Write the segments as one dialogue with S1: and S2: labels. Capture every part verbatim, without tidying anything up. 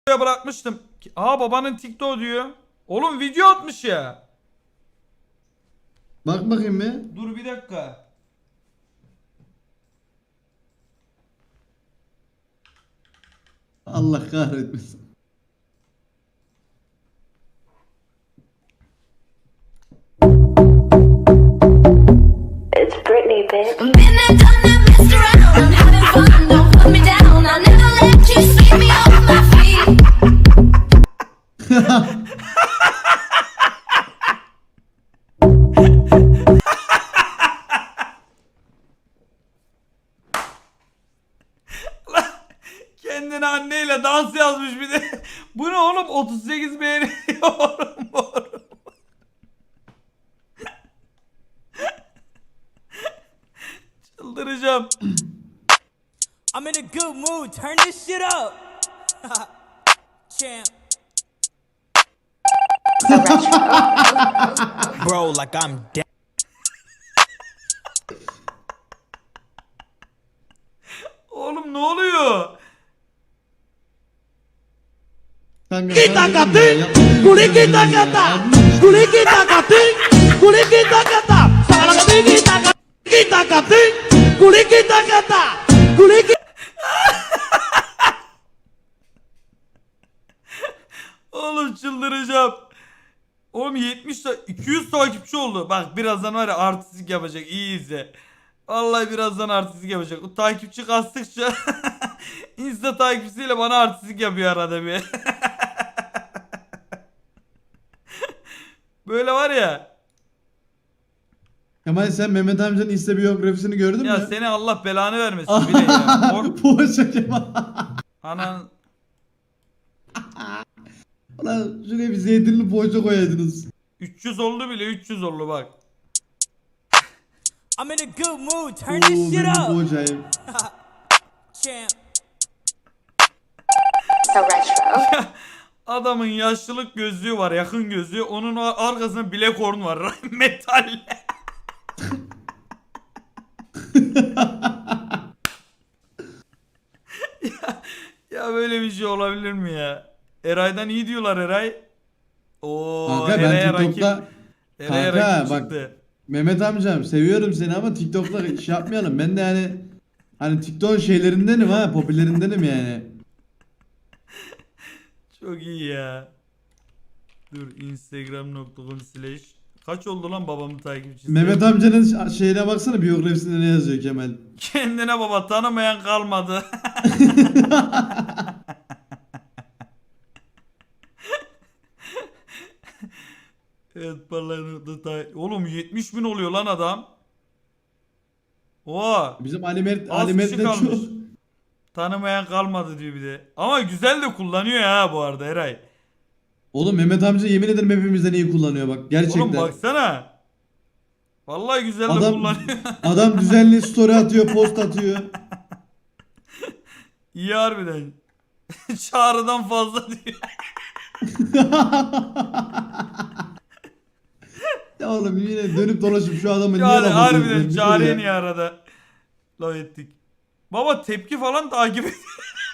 S1: bırakmıştım. Aa babanın TikTok diyor. Oğlum video atmış ya.
S2: Bak bakayım bir.
S1: Dur bir dakika.
S2: Allah kahretmesin.
S3: It's Britney, bitch.
S4: Been there, done that, messed around. I'm having fun, don't put me down. I'll never let you sweep me off my feet.
S1: Kendine anneyle dans yazmış bir de. Bu ne oğlum? otuz sekiz beğeniyorum. Çıldıracağım.
S5: I'm in a good mood. Turn this shit up. Champ. Bro, like I'm dead.
S1: Oğlum ne oluyor?
S2: Kanka,
S6: Kita
S2: sen dedim
S6: kati,
S2: ya, yapma
S6: kuli
S2: dedim
S6: kita
S2: ya.
S6: kata, kuli kita kati, kuli kita kata, salah kati kita kata, kita kati, kuli kita kata, kuli kita.
S1: Oğlum çıldıracağım. Oğlum yetmiş ta- iki yüz takipçi oldu. Bak birazdan var ya artistik yapacak. İyi izle. Vallahi birazdan artistik yapacak. O takipçi kastıkça Insta takipçisiyle bana artistik yapıyor arada bir. Böyle var ya.
S2: Kemal sen Mehmet amcanın Insta biyografisini gördün
S1: Ya
S2: mü?
S1: seni Allah belanı vermesin bile ya. Or-
S2: Poğaça Kemal.
S1: Anan
S2: Ulan şuraya bir zeytinli poğaça koyaydınız.
S1: üç yüz oldu bile üç yüz oldu bak.
S5: I'm in a good mood. Turn
S2: Oo
S5: this shit
S2: benim
S5: up.
S2: poğaçayı.
S5: Champ.
S3: So retro.
S1: Adamın yaşlılık gözlüğü var, yakın gözlüğü. Onun arkasında Blackhorn var. Metal. ya, ya böyle bir şey olabilir mi ya? Eray'dan iyi diyorlar Eray. Oo,
S2: Kanka ben
S1: Eray'a
S2: TikTok'ta
S1: rakip, Eray'a
S2: kanka
S1: rakip
S2: bak
S1: çıktı.
S2: Mehmet amcam seviyorum seni ama TikTok'ta iş yapmayalım. Ben de yani hani TikTok şeylerindenim ha, popülerindenim yani.
S1: Çok iyi ya. Dur instagram nokta com slash kaç oldu lan babamın takipçisi?
S2: Mehmet amcanın şeyine baksana, biyografisinde ne yazıyor Kemal.
S1: Kendine baba tanımayan kalmadı. Evet parlaklıkta ta- oğlum yetmiş bin oluyor lan adam. Oha.
S2: Bizim Ali Mert,
S1: Az
S2: Ali Mert
S1: kişi
S2: de
S1: kalmış.
S2: çok.
S1: Tanımayan kalmadı diyor bir de. Ama güzel de kullanıyor ha bu arada Eray.
S2: Oğlum Mehmet amca yemin ederim hepimizden iyi kullanıyor bak gerçekten.
S1: Oğlum baksana. Vallahi güzel de
S2: Adam-
S1: kullanıyor.
S2: Adam düzenli story atıyor, post atıyor.
S1: İyi harbiden. Çağrıdan fazla diyor.
S2: Ya oğlum yine dönüp dolaşıp şu adamı niye
S1: Çağrı
S2: laf
S1: harbiden
S2: atıyorsun?
S1: Çağrı'ya
S2: Ya.
S1: niye arada laf ettik. Baba tepki falan takip et.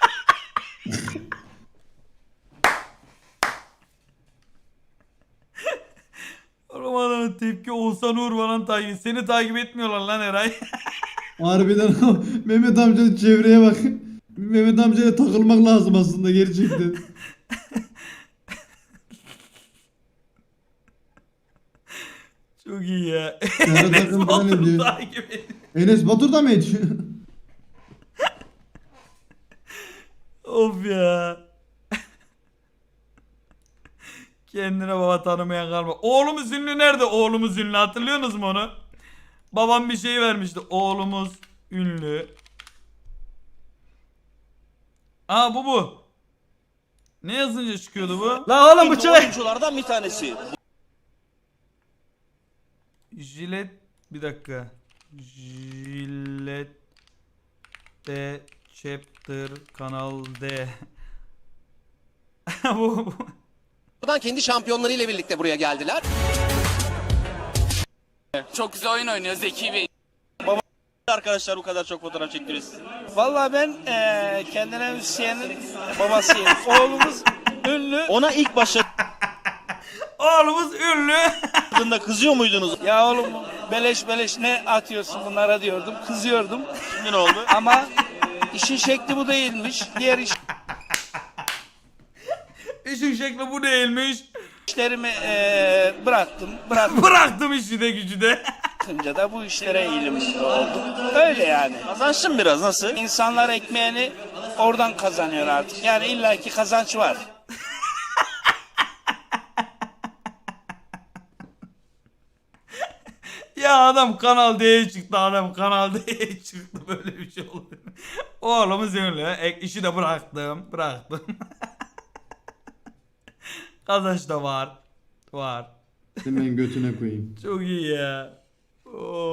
S1: Oğlum adamın tepki Oğuzhan Uğur falan takip. Seni takip etmiyorlar lan Eray.
S2: Harbiden Mehmet amcanın çevreye bak. Mehmet amcaya takılmak lazım aslında gerçekten.
S1: Çok iyi ya.
S2: Serhat
S1: Enes
S2: Akın falan ne
S1: Batur'u
S2: diyor?
S1: takip et.
S2: Enes Batur da mı ediyor?
S1: Of ya. Kendine baba tanımayan kalma. Oğlumuz ünlü nerede? Oğlumuz ünlü hatırlıyorsunuz mu onu? Babam bir şey vermişti. Oğlumuz ünlü. Aa bu bu. Ne yazınca çıkıyordu bu?
S6: La oğlum bu çay.
S7: oyunculardan bir tanesi.
S1: Jilet bir dakika. Jilet de chapter kanal D. bu, bu.
S7: Buradan kendi şampiyonlarıyla birlikte buraya geldiler.
S8: Çok güzel oyun oynuyor Zeki Bey.
S7: Arkadaşlar bu kadar çok fotoğraf çektiriyor sizi.
S8: Vallahi ben eee kendine müzisyenin babasıyım. Oğlumuz ünlü.
S7: Ona ilk
S1: Oğlumuz ünlü.
S7: başladığında kızıyor muydunuz?
S8: Ya oğlum beleş beleş ne atıyorsun bunlara diyordum. Kızıyordum.
S7: Şimdi ne oldu?
S8: Ama işin şekli bu değilmiş. Diğer
S1: İşin şekli bu değilmiş.
S8: işlerimi eee bıraktım. Bıraktım.
S1: Bıraktım işi de gücü de.
S8: Bırakınca da bu işlere eğilimli oldum. Öyle yani.
S7: Kazançlı biraz nasıl?
S8: İnsanlar ekmeğini oradan kazanıyor artık. Yani illaki kazanç var.
S1: Ya adam Kanal D'ye çıktı, adam Kanal D'ye çıktı, böyle bir şey oldu. Oğlumuz ünlü. Ek, işi de bıraktım. Bıraktım. Kazanç da var. Var.
S2: Senin ben götüne koyayım.
S1: Çok iyi ya. Oo.